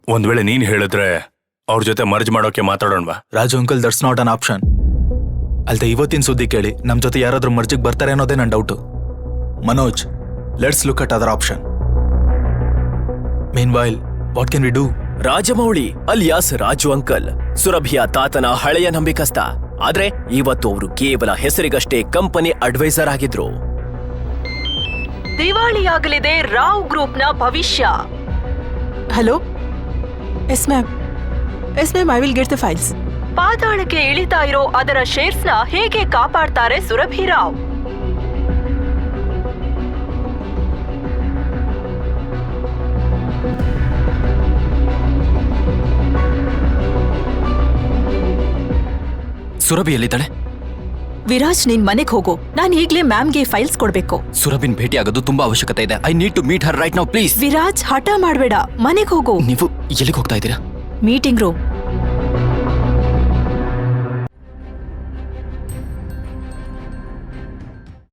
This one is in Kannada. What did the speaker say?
ಒಂದ್ ವೇಳೆ ನೀನ್ ಹೇಳಿದ್ರೆ ಅವ್ರ ಜೊತೆ ಮರ್ಜ್ ಮಾಡೋಕೆ ಮಾತಾಡೋಣವಾ? Raju uncle, that's not an option. ಅಲ್ದೆ ಇವತ್ತಿನ ಸುದ್ದಿ ಕೇಳಿ ನಮ್ ಜೊತೆ ಯಾರಾದ್ರೂ ಮರ್ಜಿಗೆ ಬರ್ತಾರೆ ಅನ್ನೋದೇ ನನ್ನ doubt. Manoj, let's look at other option. Meanwhile, what can we do? Rajamouli alias Raju uncle ಸುರಭಿಯ ತಾತನ ಹಳೆಯ ನಂಬಿಕಸ್ತ. ಆದ್ರೆ ಇವತ್ತು ಅವರು ಕೇವಲ ಹೆಸರಿಗಷ್ಟೇ ಕಂಪನಿ ಅಡ್ವೈಸರ್ ಆಗಿದ್ರು. ದಿವಾಳಿಯಾಗಲಿದೆ ರಾವ್ ಗ್ರೂಪ್ನ ಭವಿಷ್ಯ. Hello, yes ma'am, I will get the files. ಪಾತಾಳಕ್ಕೆ ಇಳಿತಾ ಇರೋ ಅದರ ಶೇರ್ಸ್ನ ಹೇಗೆ ಕಾಪಾಡ್ತಾರೆ ಸುರಭಿ ರಾವ್? ಸುರಭಿ ಎಲ್ಲಿದ್ದಾಳೆ? ವಿರಾಜ್, ನೀನ್ ಮನೆಗ್ ಹೋಗು. ನಾನ್ ಈಗ್ಲೇ ಮ್ಯಾಮ್ಗೆ ಫೈಲ್ಸ್ ಕೊಡ್ಬೇಕು. ಸುರಭಿನ್ ಭೇಟಿ ಆಗೋದು ತುಂಬಾ ಅವಶ್ಯಕತೆ ಇದೆ. I need to meet her right now please. Viraj, ಹಠ ಮಾಡ್ಬೇಡ, ಮನೆಗ್ ಹೋಗು. ನೀವು ಎಲ್ಲಿಗೆ ಹೋಗ್ತಾ ಇದ್ದೀರಾ? Meeting room.